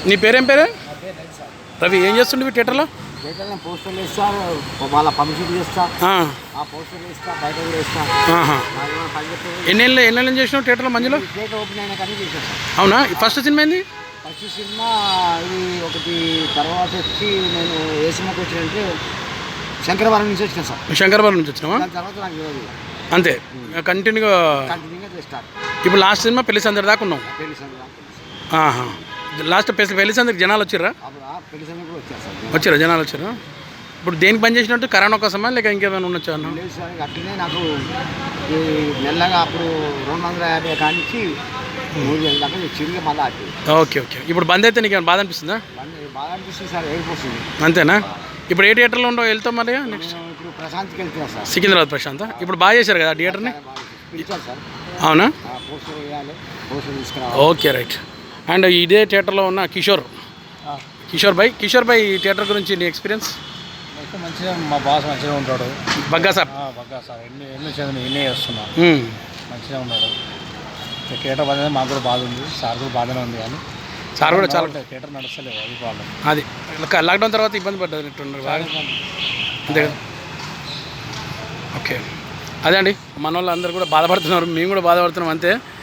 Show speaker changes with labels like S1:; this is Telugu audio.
S1: నీ పేరేం పేరు? రవి. ఏం చేస్తుండే థియేటర్లో?
S2: థియేటర్లో పోస్టర్లు వేస్తా, వాళ్ళ పబ్లిసిటీ చేస్తా, ఆ పోస్టర్లు వేస్తా, బయట కూడా వేస్తా.
S1: ఎన్నేళ్ళు చేసినావు థియేటర్లో మంజులో?
S2: థియేటర్ ఓపెన్ అయినా కానీ చేసేస్తాను.
S1: అవునా? ఫస్ట్ సినిమా ఏంది?
S2: ఫస్ట్ సినిమా ఇది ఒకటి. తర్వాత వచ్చి నేను ఏ సినిమాకి వచ్చినంటే శంకరవరం నుంచి వచ్చినా సార్.
S1: శంకరవరం నుంచి వచ్చినావా?
S2: దాని తర్వాత నాకు తెలియదు.
S1: అంతే కంటిన్యూగా
S2: స్టార్ట్.
S1: ఇప్పుడు లాస్ట్ సినిమా పెళ్లి సందడి దాకా ఉన్నావు.
S2: పెళ్లి సందడి
S1: లాస్ట్ పెళ్లి సందడికి జనాలు వచ్చిర్రా?
S2: పెళ్లి సందడి కూడా వచ్చారు సార్.
S1: వచ్చారా జనాలు వచ్చారా? ఇప్పుడు దేనికి పని చేసినట్టు? కరోనా కోసమా లేక ఇంకేమైనా ఉండొచ్చా?
S2: లేదు సార్, అట్లనే నాకు ఈ మెల్లగా అప్పుడు 250 కానించి 3,000 దాకా చిరిగి మళ్ళీ అట్టి.
S1: ఓకే. ఇప్పుడు బంద్ అయితే నీకు బాధ అనిపిస్తుందా?
S2: బాగా అనిపిస్తుంది సార్, ఏడిపోతుంది.
S1: అంతేనా? ఇప్పుడు ఏ థియేటర్లో ఉండవు వెళ్తాం మరి నెక్స్ట్?
S2: ఇప్పుడు ప్రశాంత్కి వెళ్తున్నా సార్.
S1: సికింద్రాబాద్ ప్రశాంత్. ఇప్పుడు బాగా చేశారు కదా థియేటర్ని?
S2: పిలిచారు సార్.
S1: అవునా?
S2: పోస్టర్ వేయాలి, పోస్టర్ తీసుకురావాలి.
S1: Okay right. అండ్ ఇదే థియేటర్లో ఉన్న కిషోర్ భాయ్ ఈ థియేటర్ గురించి నీ ఎక్స్పీరియన్స్?
S2: మంచిగా, మా బాస్ మంచిగా ఉంటాడు.
S1: బగ్గా సార్
S2: ఎన్ని చేస్తున్నా మంచిగా ఉన్నాడు. థియేటర్ బాధ మాకు కూడా బాధ ఉంది, సార్ కూడా బాధనే ఉంది. కానీ
S1: సార్ కూడా చాలా
S2: థియేటర్ నడుస్తలేదు, అది ప్రాబ్లం.
S1: అది లాక్డౌన్ తర్వాత ఇబ్బంది పడ్డట్టున్నారు అంతే కదా? ఓకే. అదే అండి, మన వాళ్ళు అందరూ కూడా బాధపడుతున్నారు, మేము కూడా బాధపడుతున్నాం అంతే.